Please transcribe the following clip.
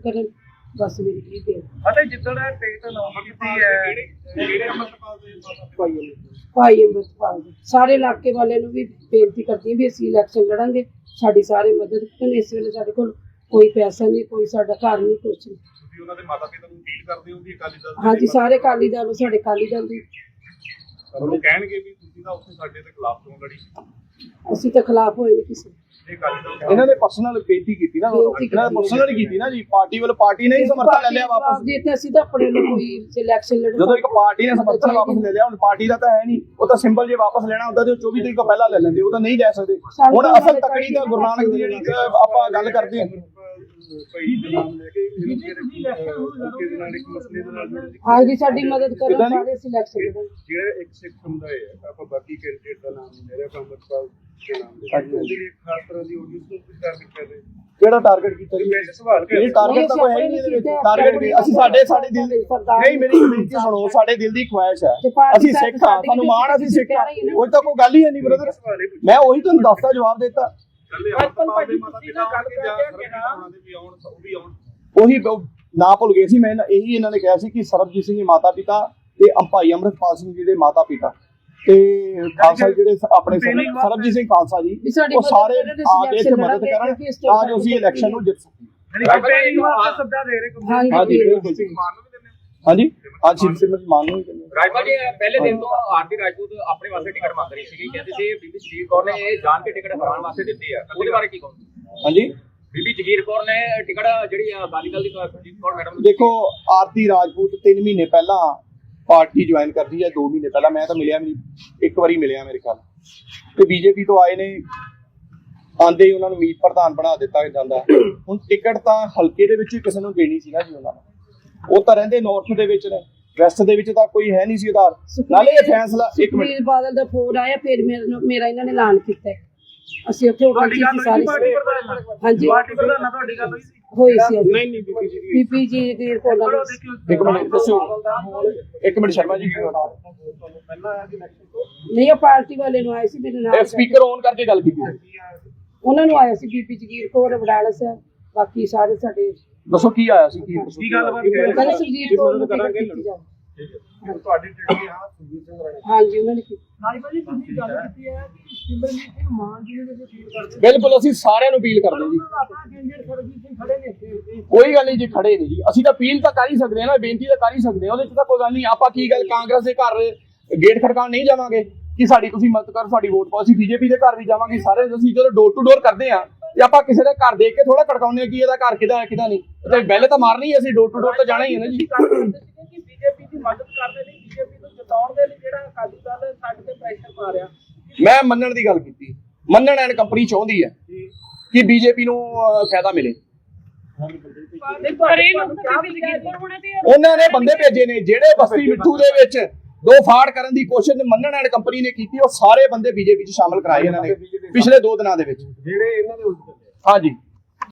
ਕਰਨ बस मेरी यही बेनती भाई अमृतपाल सारे इलाके वाले भी बेनती करती भी असीं इलैक्शन लड़ांगे साडी सारे मदद करन। इस वेले साडे कोल कोई पैसा नहीं कोई साडा घर नहीं कुछ नहीं। हाँ जी सारे अकाली दल साडे अकाली दल दी ਅਸੀਂ ਤਾਂ ਖਿਲਾਫ ਹੋਏ ਨਹੀਂ ਕਿਸੇ ਇਹਨਾਂ ਨੇ ਪਰਸਨਲ ਬੇਨਤੀ ਕੀਤੀ ਨਾ ਇਹਨਾਂ ਨੇ ਪਰਸਨਲ ਕੀਤੀ ਨਾ ਜੀ ਪਾਰਟੀ ਵੱਲੋਂ ਪਾਰਟੀ ਨੇ ਹੀ ਸਮਰਥਨ ਲੈ ਲਿਆ ਵਾਪਸ ਜੇ ਤੇ ਅਸੀਂ ਤਾਂ ਆਪਣੇ ਨੂੰ ਕੋਈ ਇਲੈਕਸ਼ਨ ਲੜਨਾ ਜਦੋਂ ਇੱਕ ਪਾਰਟੀ ਨੇ ਸਮਰਥਨ ਵਾਪਸ ਲੈ ਲਿਆ ਹੁਣ ਪਾਰਟੀ ਦਾ ਤਾਂ ਹੈ ਨਹੀਂ ਉਹ ਤਾਂ ਸਿੰਬਲ ਜੇ ਵਾਪਸ ਲੈਣਾ ਹੁੰਦਾ ਤੇ 24 ਤਰੀਕ ਤੋਂ ਪਹਿਲਾਂ ਲੈ ਲੈਂਦੇ ਉਹ ਤਾਂ ਨਹੀਂ ਲੈ ਸਕਦੇ। ਹੁਣ ਅਸਲ ਤਕੜੀ ਤਾਂ ਗੁਰੂ ਨਾਨਕ ਦੀ ਜਿਹੜੀ ਆਪਾਂ ਗੱਲ ਕਰਦੇ ਹਾਂ हाँ जी साडी मदद करो सारे सिलेक्शन ਜਿਹੜਾ ਇੱਕ ਸਿੱਖ ਸਮੁਦਾਇ ਹੈ ਆਪਾਂ ਬਾਕੀ ਕੈਂਡੀਡੇਟ ਦਾ ਨਾਮ ਮੇਰਾ ਅਮਰਪਾਲ ਦੇ ਨਾਮ ਦੇ ਉਹਦੇ ਲਈ ਖਾਸ ਤਰ੍ਹਾਂ ਦੀ ਆਡੀਅנס ਨੂੰ ਕੁਝ ਟਾਰਗੇਟ ਕਰ ਰਹੇ ਕਿਹੜਾ ਟਾਰਗੇਟ ਕੀਤਾ ਜੀ ਵੈਸੇ ਸਵਾਲ ਕਰ ਇਹ ਟਾਰਗੇਟ ਤਾਂ ਕੋਈ ਹੈ ਹੀ ਨਹੀਂ ਇਹਦੇ ਵਿੱਚ ਟਾਰਗੇਟ ਵੀ ਅਸੀਂ ਸਾਡੇ ਦਿਲ ਦੀ ਨਹੀਂ ਮੇਰੀ ਬੇਨਤੀ ਸੁਣੋ ਸਾਡੇ ਦਿਲ ਦੀ ਖੁਆਇਸ਼ ਹੈ ਅਸੀਂ ਸਿੱਖ ਹਾਂ ਸਾਨੂੰ ਮਾਣ ਅਸੀਂ ਸਿੱਖ ਹਾਂ ਉਹ ਤਾਂ ਕੋਈ ਗੱਲ ਹੀ ਨਹੀਂ ਬ੍ਰਦਰ ਮੈਂ ਉਹੀ ਤੁਹਾਨੂੰ ਦੱਸਦਾ ਜਵਾਬ ਦਿੱਤਾ ਉਹੀ ਨਾ ਭੁੱਲ ਗਏ ਸੀ ਮੈਂ ਇਹੀ ਇਹਨਾਂ ਨੇ ਕਿਹਾ ਸੀ ਕਿ ਸਰਬਜੀਤ ਸਿੰਘ ਦੇ ਮਾਤਾ ਪਿਤਾ ਤੇ ਭਾਈ ਅੰਮ੍ਰਿਤਪਾਲ ਸਿੰਘ ਜੀ ਦੇ ਮਾਤਾ ਪਿਤਾ ਤੇ ਖਾਲਸਾ ਜਿਹੜੇ ਆਪਣੇ ਸਰਬਜੀਤ ਸਿੰਘ ਖਾਲਸਾ ਜੀ ਉਹ ਸਾਰੇ ਆ ਕੇ ਇੱਥੇ ਮਦਦ ਕਰਨ ਤਾਂ ਜੋ ਅਸੀਂ ਇਲੈਕਸ਼ਨ ਨੂੰ ਜਿੱਤ ਸਕੀਏ। ਹਾਂਜੀ ਅੱਜ ਸਿਮਰਤ ਮਾਨ ਨੂੰ ਰਾਜਪਾਲ ਜੀ ਪਹਿਲੇ ਦਿਨ ਤੋਂ ਆਰਤੀ ਰਾਜਪੂਤ ਆਪਣੇ ਵਾਸਤੇ ਟਿਕਟ ਮੰਗ ਰਹੀ ਸੀ ਕਹਿੰਦੇ ਸੀ ਬੀਬੀ ਜਗੀਰ ਕੌਰ ਨੇ ਇਹ ਜਾਣ ਕੇ ਟਿਕਟ ਹਰਾਉਣ ਵਾਸਤੇ ਦਿੱਤੀ ਹੈ ਉਹਦੇ ਬਾਰੇ ਕੀ ਕਹੋਗੇ? ਹਾਂਜੀ ਬੀਬੀ ਜਗੀਰ ਕੌਰ ਨੇ ਟਿਕਟ ਜਿਹੜੀ ਅਕਾਲੀ ਦਲ ਦੀ ਸੁਰਜੀਤ ਕੌਰ ਮੈਡਮ ਦੇਖੋ ਆਰਤੀ ਰਾਜਪੂਤ 3 ਮਹੀਨੇ ਪਹਿਲਾਂ ਪਾਰਟੀ ਜੁਆਇਨ ਕਰਦੀ ਹੈ 2 ਮਹੀਨੇ ਪਹਿਲਾਂ ਮੈਂ ਤਾਂ ਮਿਲਿਆ ਨਹੀਂ ਇੱਕ ਵਾਰੀ ਮਿਲਿਆ ਮੇਰੇ ਖਿਆਲ ਤੇ ਬੀਜੇਪੀ ਤੋਂ ਆਏ ਨੇ ਆਂਦੇ ਹੀ ਉਹਨਾਂ ਨੂੰ ਮੀਤ ਪ੍ਰਧਾਨ ਬਣਾ ਦਿੱਤਾ ਜਾਂਦਾ ਹੁਣ ਟਿਕਟ ਤਾਂ ਹਲਕੇ ਦੇ ਵਿੱਚ ਕਿਸੇ ਨੂੰ ਦੇਣੀ ਸੀ ਨਾ ਜੀ ਉਹਨਾਂ ਨੂੰ ਉਹ ਤਾਂ ਰਹਿੰਦੇ ਨਾਰਥ ਦੇ ਵਿੱਚ ਨੇ ਵੈਸਟ ਦੇ ਵਿੱਚ ਤਾਂ ਕੋਈ ਹੈ ਨਹੀਂ ਸੀ ਆਧਾਰ ਨਾਲੇ ਇਹ ਫੈਸਲਾ ਇੱਕ ਮਿੰਟ ਬਾਦਲ ਦਾ ਫੋਨ ਆਇਆ ਫਿਰ ਮੇਰਾ ਇਹਨਾਂ ਨੇ ਐਲਾਨ ਕੀਤਾ ਅਸੀਂ ਉੱਥੇ ਹੋਟਲ ਚ ਸਾਰੇ ਹਾਂਜੀ ਹੋਈ ਸੀ ਨਹੀਂ ਪੀਪੀ ਜੀ ਦੇ ਕੋਲ ਇੱਕ ਮਿੰਟ ਦੱਸੋ ਇੱਕ ਮਿੰਟ ਸ਼ਰਮਾ ਜੀ ਨਹੀਂ ਉਹ ਪਾਰਟੀ ਵਾਲੇ ਨੂੰ ਆਏ ਸੀ ਮੇਰੇ ਨਾਲ ਸਪੀਕਰ ਔਨ ਕਰਕੇ ਗੱਲ ਕੀਤੀ ਉਹਨਾਂ ਨੂੰ ਆਇਆ ਸੀ ਬੀਬੀ ਜਗੀਰ ਕੌਰ ਵਡਾਲਾ ਸਾਹਿਬ ਬਾਕੀ ਸਾਰੇ ਸਾਡੇ ਦੱਸੋ ਕੀ ਆਇਆ ਸੀ ਕੀ ਗੱਲਬਾਤ ਕਹਿੰਦੇ ਸੁਰਜੀਤ ਕੌਰ ਨੂੰ ਟਿਕਟ ਦਿੱਤੀ ਜਾਵੇ ਤੁਹਾਡੀ ਟਿਕਟ ਆ ਸੁਰਜੀਤ ਸਿੰਘ ਰਾਣਾ ਹਾਂਜੀ ਉਹਨਾਂ ਨੇ ਭਾਜੀ ਤੁਸੀਂ ਗੱਲ ਕੀਤੀ ਹੈ ਕਿ ਸਿਮਰਜੀਤ ਸਿੰਘ ਮਾਨ ਜੀ ਦੇ ਵਿੱਚ ਅਪੀਲ ਕਰਦੇ ਬਿਲਕੁਲ ਅਸੀਂ ਸਾਰਿਆਂ ਨੂੰ ਅਪੀਲ ਕਰਦੇ ਜੀ ਆਪਣਾ ਕੈਂਡੀਡੇਟ ਸਰਜੀਤ ਸਿੰਘ ਖੜੇ ਨੇ ਕੋਈ ਗੱਲ ਨਹੀਂ ਜੀ ਖੜੇ ਨੇ ਜੀ ਅਸੀਂ ਤਾਂ ਅਪੀਲ ਤਾਂ ਕਰ ਹੀ ਸਕਦੇ ਹਾਂ ਨਾ ਬੇਨਤੀ ਤਾਂ ਕਰ ਹੀ ਸਕਦੇ ਹਾਂ ਉਹਦੇ 'ਚ ਤਾਂ ਕੋਈ ਗੱਲ ਨਹੀਂ ਆਪਾਂ ਕੀ ਗੱਲ ਕਾਂਗਰਸ ਦੇ ਘਰ ਗੇਟ ਖੜਕਾਉਣ ਨਹੀਂ ਜਾਵਾਂਗੇ ਕਿ ਸਾਡੀ ਤੁਸੀਂ ਮਦਦ ਕਰ ਸਾਡੀ ਵੋਟ ਪਾਓ ਅਸੀਂ ਬੀਜੇਪੀ ਦੇ ਘਰ ਵੀ ਜਾਵਾਂਗੇ ਸਾਰੇ ਅਸੀਂ ਜਦੋਂ ਡੋਰ ਟੂ ਡੋਰ ਕਰਦੇ ਆ ਤੇ ਆਪਾਂ ਕਿਸੇ ਦੇ ਘਰ ਦੇਖ ਕੇ ਥੋੜਾ ਖੜਕਾਉਂਦੇ ਆ ਕਿ ਇਹਦਾ ਘਰ ਕਿਹਦਾ ਹੈ ਕਿਹਦਾ ਨਹੀਂ ਤੇ ਬੈਲ ਤਾਂ ਮਾਰਨੀ ਹੈ ਅਸੀਂ ਡੋਰ ਟੂ ਡੋਰ ਤਾਂ ਜਾਣਾ ਹੀ ਹੈ ਨਾ ਜੀ ਬੀਜੇਪੀ ਦੀ ਮਦਦ ਕਰਨ ਲਈ ਬੀਜੇਪੀ ਨੂੰ ਜਿਤਾਉਣ ਦੇ ਲਈ ਜਿਹੜਾ ਅਕਾਲੀ ਦਲ ਸਾਡੇ ਤੇ ਪ੍ਰੈਸ਼ਰ ਪਾ ਰਿਹਾ ਮੈਂ ਮੰਨਣ ਦੀ ਗੱਲ ਕੀਤੀ ਮੰਨਣ ਐਂਡ ਕੰਪਨੀ ਚਾਹੁੰਦੀ ਹੈ ਕਿ ਬੀਜੇਪੀ ਨੂੰ ਫਾਇਦਾ ਮਿਲੇ ਉਹਨਾਂ ਨੇ ਬੰਦੇ ਭੇਜੇ ਨੇ ਜਿਹੜੇ ਬਸਤੀ ਮਿੱਠੂ ਦੇ ਵਿੱਚ 2 ਫਾੜ ਕਰਨ ਦੀ ਕੋਸ਼ਿਸ਼ ਮੰਨਣ ਐਂਡ ਕੰਪਨੀ ਨੇ ਕੀਤੀ ਉਹ ਸਾਰੇ ਬੰਦੇ ਬੀਜੇਪੀ 'ਚ ਸ਼ਾਮਲ ਕਰਾਏ ਇਹਨਾਂ ਨੇ ਪਿਛਲੇ 2 ਦਿਨਾਂ ਦੇ ਵਿੱਚ ਜਿਹੜੇ ਇਹਨਾਂ ਦੇ ਉਲਟ ਹਾਂਜੀ